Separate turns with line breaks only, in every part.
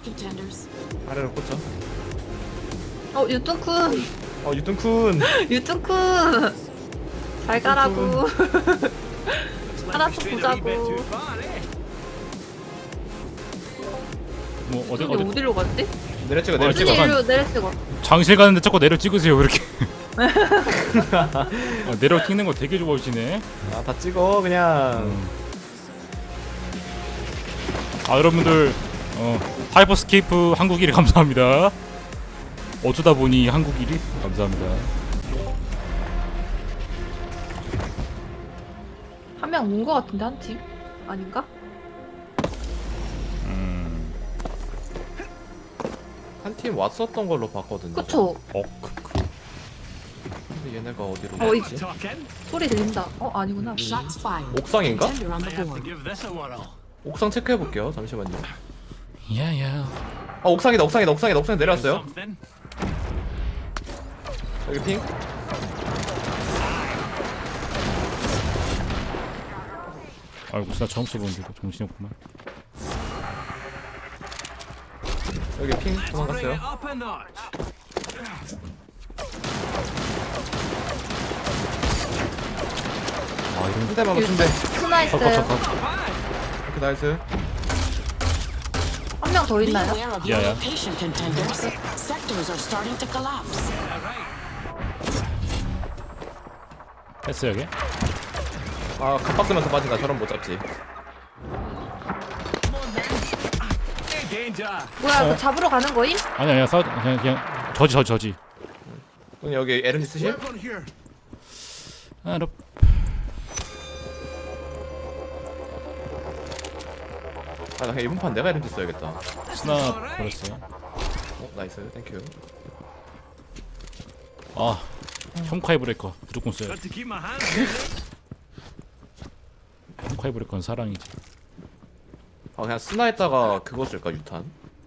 contenders.
아래로 꽂죠.
유tun쿤.
유tun쿤.
유tun쿤. 잘 가라고. 하나씩 보자고.
뭐
어디 어디로 갔지?
내려 찍어
내려
내려 찍어.
잠깐.
일로 내려 찍어.
장실 가는데 자꾸 내려 찍으세요 왜 이렇게. 내려 찍는 거 되게 좋아하시네.
다 찍어 그냥.
여러분들 하이퍼스케이프 한국 1위 감사합니다. 어쩌다 보니 한국 1위 감사합니다.
한 명 온 거 같은데 한 팀? 아닌가?
한 팀 왔었던 걸로 봤거든요.
그쵸?
근데 얘네가 어디로
이
갔지?
소리 들린다. 아니구나.
Shots fired.
옥상인가?
Contender on the board.
옥상 체크해 볼게요. 잠시만요.
야야.
옥상이다. 옥상에 내려왔어요. 여기 핑.
아이고 나 처음 써보는데 정신이 없구만.
여기 핑 도망갔어요.
이런
한 대만 맞춘대.
스나 있어요.
오케이 나이스.
한 명 더
Be
있나요?
aware of your
Yeah.
location, contenders. Sectors are starting to collapse.
했어 여기?
갑박 쓰면서 빠진다. 저런 못 잡지.
뭐야, 그 잡으러 가는 거임?
아니야 그냥 저지.
그럼 여기 에른이 쓰실?
너
나 그냥 이번 판 내가 에른이 써야겠다.
스나 버렸어요.
나이스. 땡큐.
형카이 브레이커 무조건 써요. 형카이 브레이커는 사랑이지.
그냥 스나했다가 그거 쓸까 유탄?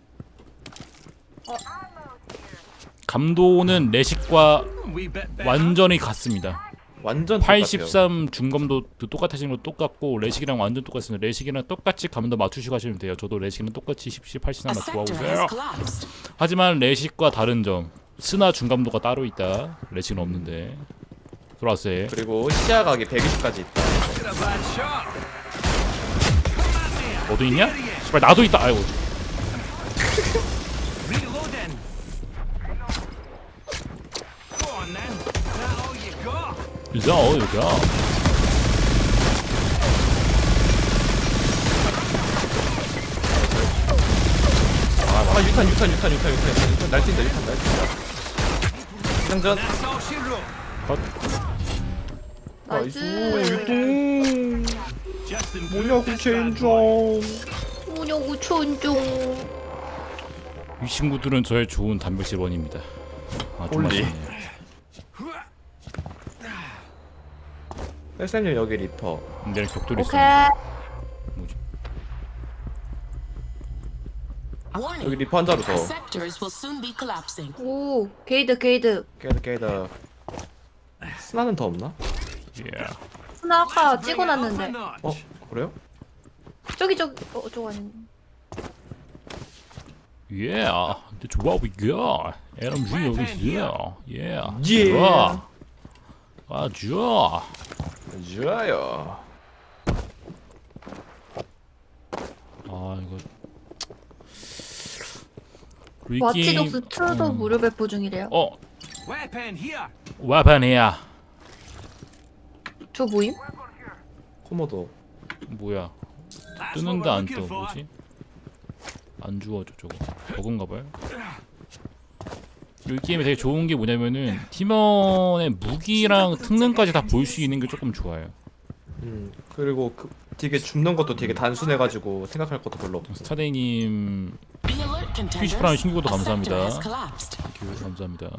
감도는 레식과 완전히 같습니다.
완전 똑같아요.
83 중감도 똑같아지는 거 똑같고 레식이랑 완전 똑같습니다. 레식이랑 똑같이 감도 맞추시고 하시면 돼요. 저도 레식이랑 똑같이 17, 83
A
맞추고 하고
sector has
있어요.
collapsed.
하지만 레식과 다른 점, 스나 중감도가 따로 있다. 레식은 없는데. 들어왔어요.
그리고 시야각이 120까지 있다.
너도 있냐? 씨발 나도 있다. 아이고. 이자 여기야.
유탄 날뛴다. 장전.
컷.
나이스.
유통. 뭐냐고 젠장.
뭐냐고 촌종.
이 친구들은 저의 좋은 단백질 원입니다. 좀
홀리.
아쉽네요.
헬쌤님 여기 리퍼.
내일 격돌이 있어.
오케이.
뭐지?
여기
Warning.
리퍼 한 자루 더.
Sectors will soon be collapsing.
오, 게이드.
깨다. 스나는 더 없나?
예.
스나 아까 찍어놨는데.
그래요?
저기, 저거 아닌.
예. 근데 좋아 보이겨. LMG 여기 있어. 예.
예.
좋아. 좋아.
좋아요.
이거.
와치독스 2도 무료 배포 중이래요.
와판이야.
저 모임?
코모도.
뭐야? 뜨는데 안 떠. 뭐지? 안 주워져 저거. 버그인가봐요. 이 게임이 되게 좋은 게 뭐냐면은 팀원의 무기랑 특능까지 다 볼 수 있는 게 조금 좋아요.
그리고 되게 줍는 것도 되게 단순해가지고 생각할 것도 별로 없고.
스타데이님
Be alert, contenders.
퀴즈프라임 신고도
A sector
감사합니다.
has collapsed.
감사합니다.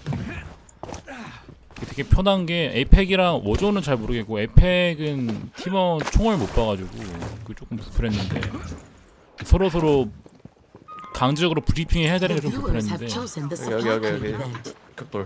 되게 편한 게 에펙이랑 워존은 잘 모르겠고 에펙은 팀원 총을 못 봐가지고 그 조금 불편했는데 서로 강제적으로 브리핑 해야 되는 게 좀
Viewers have
불편했는데
chosen the
여기
supply
여기
code event.
격돌.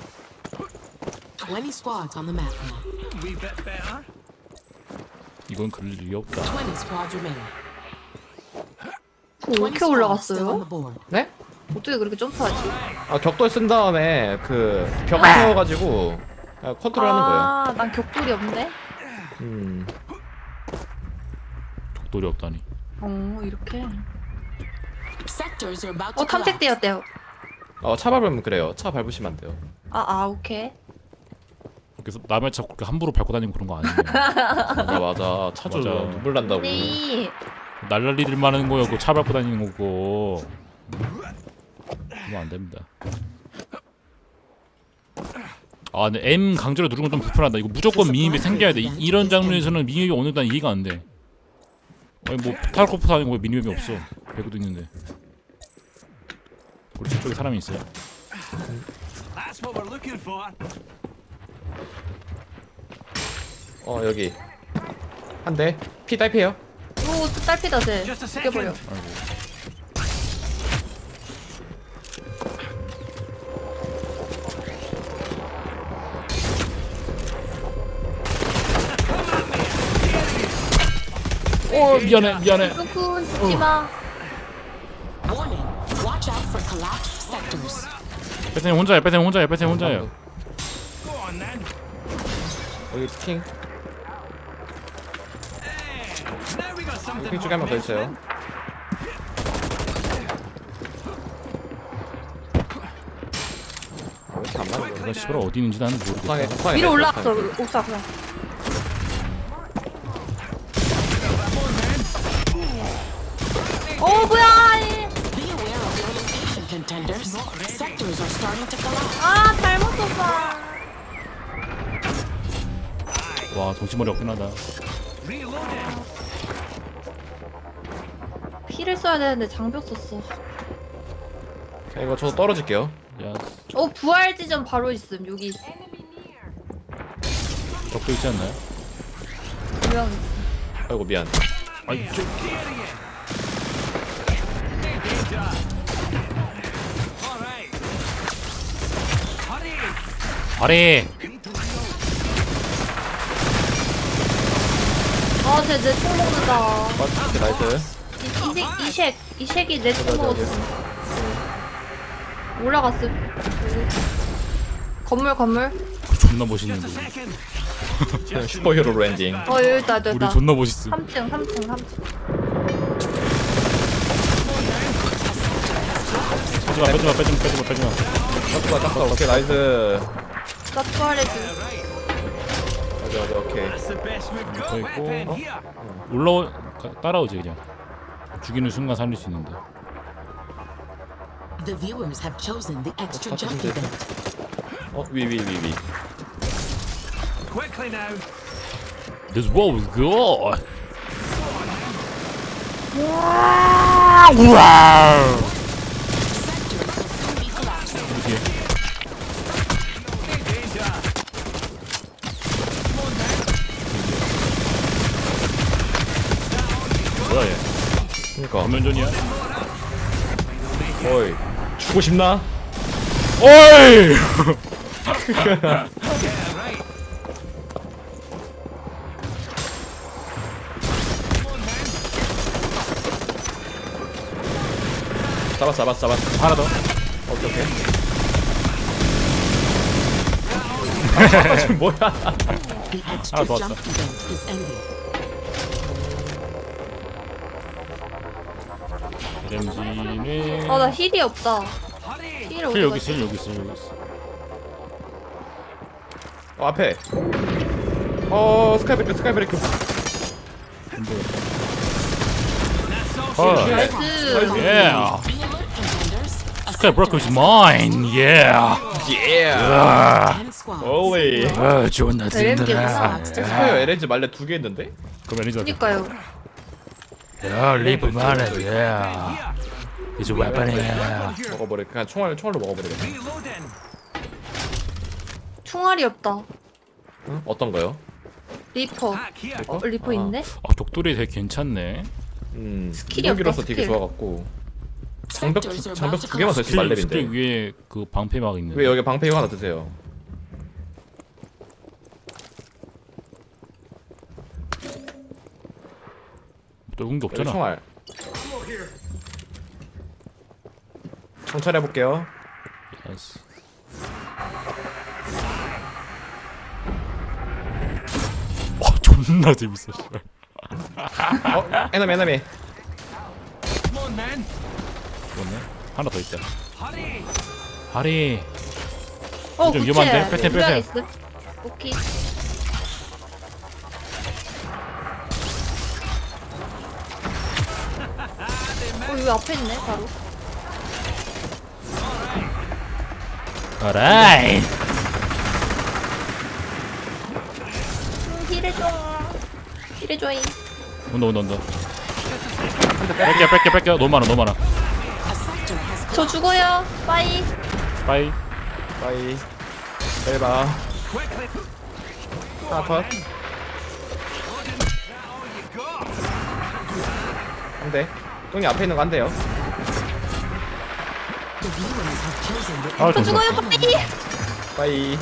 20 squads on the map now.
이건 그럴 리가 없다.
20 squads remaining.
왜
20
이렇게
squads still on
올라갔어요?
the board.
네?
어떻게 그렇게 점프하지?
아 격돌 쓴 다음에 그 벽 세워가지고 컨트롤하는 거예요.
아, 난 격돌이 없네.
격돌이 없다니.
이렇게.
Sectors are about to collapse.
탐색되었대요.
차 밟으면 그래요. 차 밟으시면 안 돼요.
오케이.
그래서 남의 차 그렇게 함부로 밟고 다니고 그런 거 아니에요.
맞아. 차주
맞아.
눈물 난다고.
네.
날라리들만 하는 거요. 그 차 밟고 다니는 거고. 그러면 안 됩니다. 근데 M 강제로 누르는 건 좀 불편하다. 이거 무조건 미니맵이 생겨야 돼. 이런 장르에서는 미니맵이 어느 날 이해가 안 돼. 아니 뭐 타르코프 아니고 왜 미니맵이 없어? 배구도 있는데. 우리 저쪽에 사람이 있어요.
That's what we're looking for.
여기 한 대. 피 딸피해요.
또 딸피다 쟤.
Just a
죽여버려.
second.
아이고. 미안해.
누군 죽지마.
Warning. Watch out for collapsed sectors.
배트님 혼자예요.
Go on then.
여기 핑.
Now we got something
핑 쪽에 한 명 더 있어요. 왜 이렇게 안 맞는 거야?
이거 씨발 어디 있는지 나는 모르겠어.
옥상에
위로
있어요,
올라갔어.
옥상에.
옥상 그냥. 뭐야?
Be aware of your location, contenders. Sectors are starting to collapse.
잘못 썼어.
와 정치머리 없긴 하다.
reloading.
피를 써야 되는데 장벽 썼어.
이거 저 떨어질게요.
야
부활 지점 바로 있음. 여기 있음.
적도 있지 않나요?
두명 있음.
아이고 미안.
아이 저
Danger. All right. Hurry.
아래.
쟤내총 먹는다.
오케이 나이스.
이색이 내 총
어디, 어디,
먹었어. 올라갔음. 건물.
존나 멋있는데.
Second.
슈퍼히어로 랜딩.
여기 있다.
우리 존나 멋있음.
3층.
빼지마.
땄어. 오케이 나이스.
나 부활해줘.
맞아 오케이.
That's the best we've got.
저 있고.
Weapon here.
따라오지 그냥. 죽이는 순간 살릴 수 있는데.
The viewers have chosen the extra
What's
jump
happening
event.
위.
Quickly now.
This wall was good.
Sectors will soon be collapsing.
뒤에.
Danger.
뭐야 얘?
그니까.
전면전이야?
어이. 죽고 싶나?
어이!
잡았어.
하나 더.
오케이. 지금 뭐야?
The extra
더
jump
왔다.
event is ending.
LMG는
나 힐이 없다.
Hurry.
힐
힐
어디
여기
갔지?
있어.
앞에. 스카이브레이크.
어.
나이스.
Yeah.
Be alert, contenders. A
Sky Broker is mine. Yeah.
예.
10 squads.
오이.
존나
LMG구나.
스카이어 LNG 말레 2개 있는데?
그럼 매니저.
그니까요.
야, 리프 만해. Yeah. 이제 웨번이야.
먹어버려. 그냥 총알로 먹어버리겠다.
Reloading.
총알이 없다.
응? 어떤 거요?
리퍼.
Back here.
리퍼 있네?
독돌이 되게 괜찮네.
스킬이
무기로서
없다,
되게
스킬.
좋아갖고. 장벽
Sectors are
장벽
about to
두 개만 더
collapse.
있으면
스킬
말렙인데.
위에 그 방패막 있는.
왜 여기 방패 이거 하나 드세요?
넓은 게
여기
없잖아.
총알. 정찰해 볼게요.
나이스. 와 존나 재밌어. 씨발.
에너미.
Come on, men.
그렇네. 하나 더 있다.
Hurry.
하리.
어,
좀
구체.
위험한데? 빼세요,
분명
빼세요.
있음. 오케이. 여기 앞에 있네, 바로.
어라이.
힐해줘. 힐해줘잉.
온다. 뺄게. 너무 많아.
A sector has
저 죽어요. 빠이.
빠이.
바이. 잘 봐.
Quickly.
하나 컷.
That all you got?
한 대. 똥이 앞에 있는 거 한 대요.
the viewers have chosen the
아
저
잠시만.
죽어요, 빠이.
바이.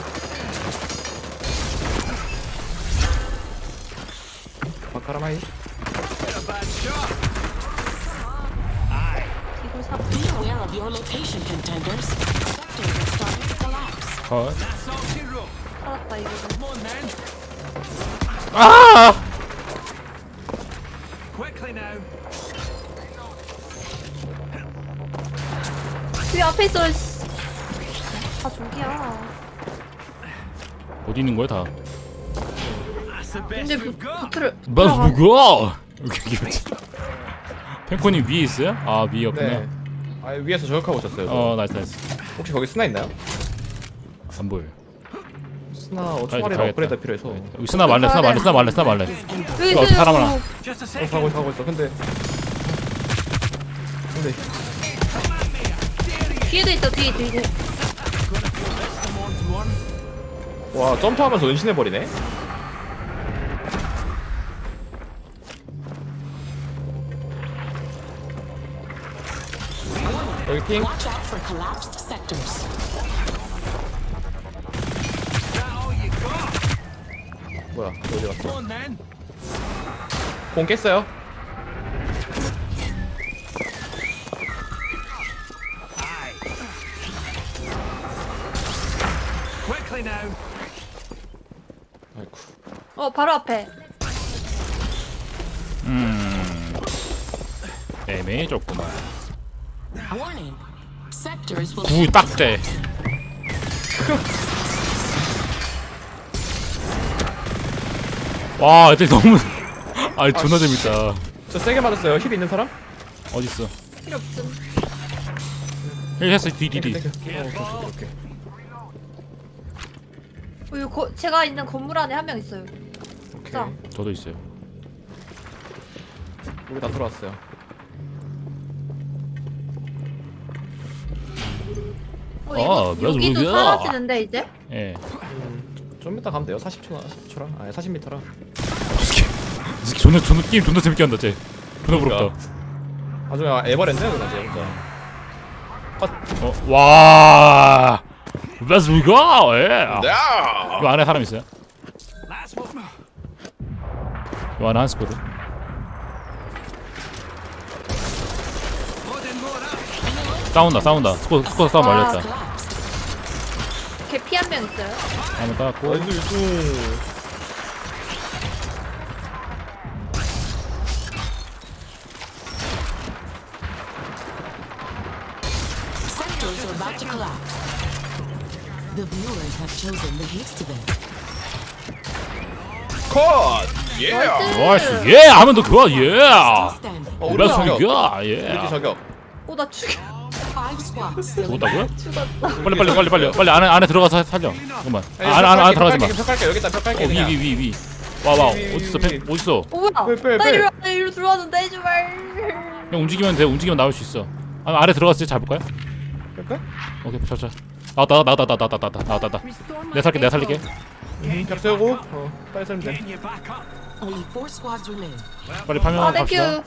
바카라마이.
A bad shot.
이걸 사.
Be aware of your location, contenders. Sectors are starting to collapse.
컷.
That's all she wrote.
살았다, 이거.
Come on, men.
아!
Quickly now.
위 앞에 있어, 씨. 아, 저기야.
어디 있는 거야 다?
That's the best
근데
we've got.
부트를.
맞아 뭐야? 여기 뭐지? 펜코님 위에 있어요? 아 위에 없구나.
네. 아 위에서 저격하고 있었어요.
어 나이스.
혹시 거기 스나 있나요?
안 보여.
스나
가야겠다,
총알이랑
가야겠다.
업그레이드 필요해서.
여기 쓰나 말래.
is ended. 여기
이거
있어요.
사람 하나.
Just a
가고
second.
가고 있어. 근데
뒤에도 있어, 뒤에.
Someone's one.
와 점프하면서 은신해 버리네. 여기 핑.
Watch out for collapsed sectors.
That all you got?
뭐야? 어디
Come
갔어?
on, men.
공 깼어요.
Aye. Quickly now.
아이쿠.
바로 앞에.
애매해졌구만.
Warning. Sectors will
구 딱대. 와 애들 너무. 아 존나 재밌다.
저 세게 맞았어요. 힐 있는 사람?
어딨어?
필요 없음.
힐 했어 뒤.
오케이.
여기 제가 있는 건물 안에 한 명 있어요. 자.
오케이.
저도 있어요.
우리 다 들어왔어요.
이거
그래서
여기도
우리가-
사라지는데 이제?
예.
좀 이따 가면 돼요. 40초랑 아니 40m랑.
이 새끼 존나 게임 존나 재밌게 한다 쟤. 존나 부럽다.
나중에 에버랜드야 그나 쟤 혼자.
와. Let's go. 예. 이 안에 사람 있어요?
That's what.
이 안에 한 스쿼드.
Loading more up.
싸운다. 스쿼드 싸움
와.
말렸다.
collapse.
개피 한 명 있어요.
한번 따갖고.
나이스 유충.
Sectors are about to collapse. The viewers have chosen the haste event.
컷. 예.
나이스. 예. 하면 더 좋아. 예.
Stand.
우리
Let's
저격.
go.
우리
예.
저격.
나 죽여.
5 squads still
죽었다고요?
죽었다.
빨리 안에 들어가서 살려. 잠깐만. 안에 들어가지 마.
벽 깔게. 여기 있다. 벽 깔게. 그냥.
위. 와.
위.
어딨어? 어딨어?
뭐야?
빼.
나 이리로 들어왔는데 제발.
그냥 움직이면 돼. 움직이면 나올 수 있어. 아래 들어갔을 때 잡을까요?
뺄까?
오케이. 자. 나왔다. 내가 살릴게.
벽 세우고. 빨리 살면 돼.
Getting you back up.
only 4 squads remain.
빨리 파밍하고
땡큐.
갑시다.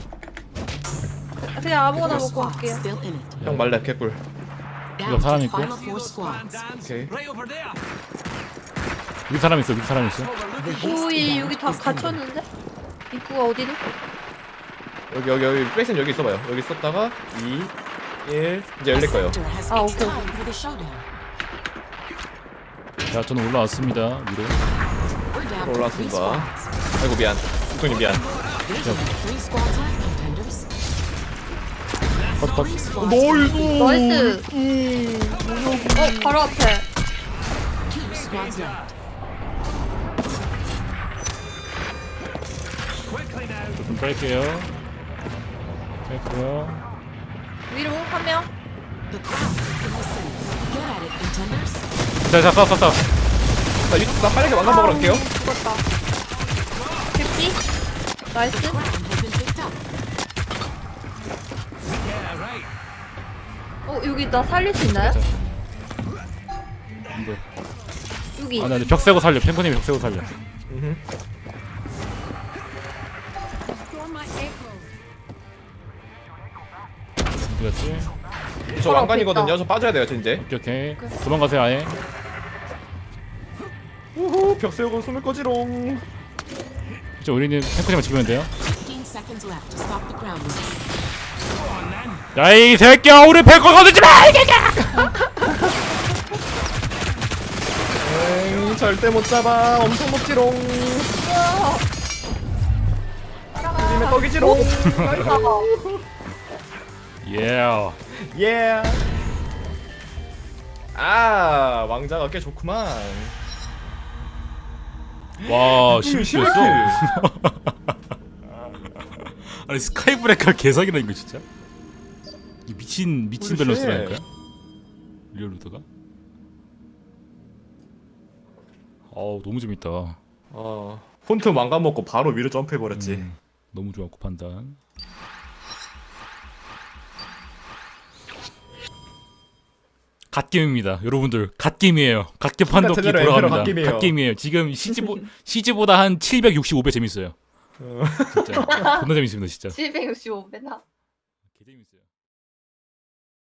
그냥 아무거나
4
먹고
squads
갈게요.
still in it.
형 말래 개꿀.
Down
사람
to
있고.
final
See
4
those
squads.
bandans?
Okay.
Right over there.
위 사람 있어.
The haste
오이 여기
event
다
is ending.
갇혔는데? 입구가 어디니?
여기 백슨 여기 있어봐요. 여기 있었다가 2 1 이제 열릴 거예요.
Sector has
Ah,
it's
okay.
time for the showdown.
자, 저는 올라왔습니다. 위로.
We're down to 3
올라왔습니다.
squads.
아이고 미안. 국동님 미안.
There's only 3 squads left, contenders.
컷.
3 squads.
나이스. 바로 앞에.
2 squads left.
Quickly now.
좀 뺄게요. 뺐고요.
위로 한 명.
The crown is in the center. Get at it, contenders.
자, 쐈.
나 빠르게 왕관 먹으러 갈게요.
죽었다. 캡지. 나이스.
Crown has been picked up.
Yeah, right.
여기 나 살릴 수 있나요?
이거.
여기.
아, 나 벽 세고 살려. 탱커님이 벽 세고 살려. 어디 갔지?
저 왕관이거든요. 저 빠져야 돼요, 저 이제.
오케이. 도망가세요, 아예.
우후, 벽 세우고 숨을 꺼지롱.
이제 우리는 탱커님만 죽이면 돼요.
15 seconds left to stop the crown race.
야, 이 새끼야, 우리 탱커 거두지 마! 이 새끼야!
에이, 절대 못 잡아. 엄청 높지롱. 님의 떡이지롱.
예.
예. 아, 왕자가 꽤 좋구만.
와, 12였어.
11킬.
아니 스카이브레이커 개사기라 이거 진짜. 이 미친
홀리
밸런스라니까. 리얼루드가. 어우 너무 재밌다.
폰트 왕관 먹고 바로 위로 점프해 버렸지.
너무 좋았고 판단. 갓게임입니다, 여러분들. 갓게임이에요. 갓게 판독기
제대로
돌아갑니다.
갓게임이에요.
갓게임이에요. 지금 CG보다 한 765배 재밌어요. 진짜 존나 재밌습니다, 진짜.
765배나.
개 재밌어요.